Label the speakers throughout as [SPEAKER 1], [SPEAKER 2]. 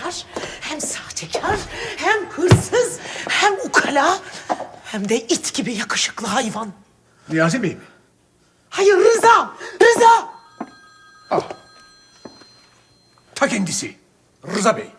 [SPEAKER 1] sahtekar, hem sahtekar, hem hırsız, hem ukala, hem de it gibi yakışıklı hayvan.
[SPEAKER 2] Niyazi Bey mi?
[SPEAKER 1] Hayır, Rıza! Rıza!
[SPEAKER 2] Ta kendisi. Rıza Bey.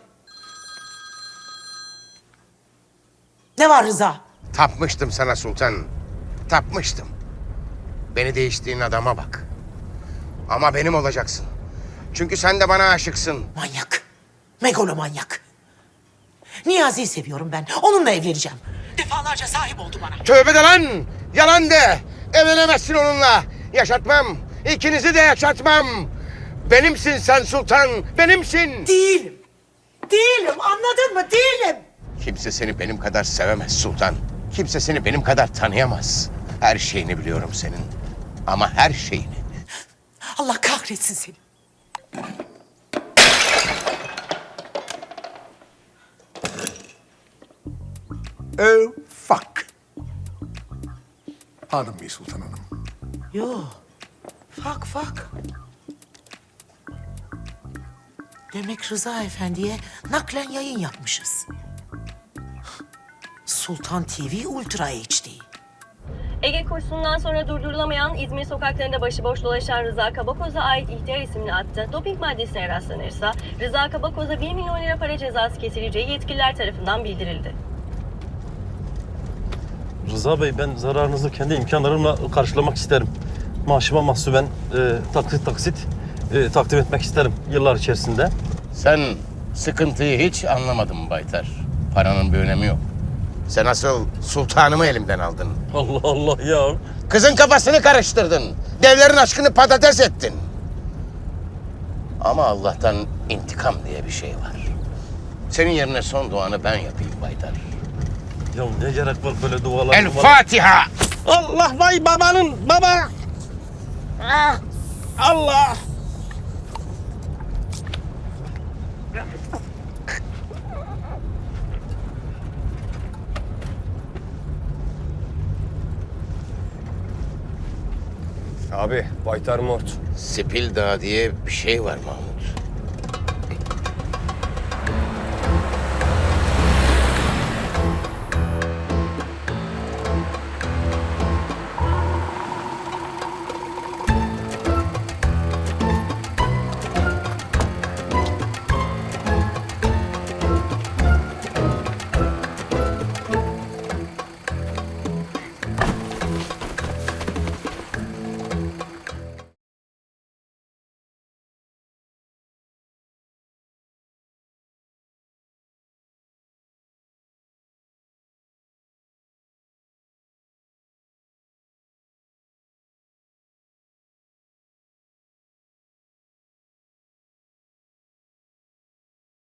[SPEAKER 1] Ne var Rıza?
[SPEAKER 3] Tapmıştım sana sultan. Tapmıştım. Beni değiştiğin adama bak. Ama benim olacaksın. Çünkü sen de bana aşıksın.
[SPEAKER 1] Manyak. Megalomanyak. Niyazi'yi seviyorum ben. Onunla evleneceğim. Defalarca sahip oldu bana.
[SPEAKER 3] Tövbe de lan! Yalan de! Evlenemezsin onunla. Yaşatmam. İkinizi de yaşatmam. Benimsin sen sultan. Benimsin.
[SPEAKER 1] Değilim. Değilim. Anladın mı? Değilim.
[SPEAKER 3] Kimse seni benim kadar sevemez sultan. Kimse seni benim kadar tanıyamaz. Her şeyini biliyorum senin. Ama her şeyini.
[SPEAKER 1] Allah kahretsin seni.
[SPEAKER 2] Oh, fuck. Pardon me Sultan Hanım.
[SPEAKER 1] Yo. Fak. Demek Rıza Efendi'ye naklen yayın yapmışız. Sultan TV Ultra HD.
[SPEAKER 4] Ege kursundan sonra durdurulamayan İzmir sokaklarında başıboş dolaşan Rıza Kabakoz'a ait İhtiyar isimli atta doping maddesine rastlanırsa Rıza Kabakoz'a 1 milyon lira para cezası kesileceği yetkililer tarafından bildirildi.
[SPEAKER 5] Rıza Bey, ben zararınızı kendi imkanlarımla karşılamak isterim. Maaşıma mahsuben taksit takdim etmek isterim yıllar içerisinde.
[SPEAKER 3] Sen sıkıntıyı hiç anlamadın Baytar. Paranın bir önemi yok. Sen asıl sultanımı elimden aldın.
[SPEAKER 5] Allah Allah ya.
[SPEAKER 3] Kızın kafasını karıştırdın. Devlerin aşkını patates ettin. Ama Allah'tan intikam diye bir şey var. Senin yerine son duanı ben yapayım Baytar.
[SPEAKER 5] Ya ne gerek var böyle dualar?
[SPEAKER 3] El Fatiha!
[SPEAKER 5] Allah vay babanın baba! Allah!
[SPEAKER 6] Abi, Baytar Mort.
[SPEAKER 3] Sipil Dağı diye bir şey var Mahmut.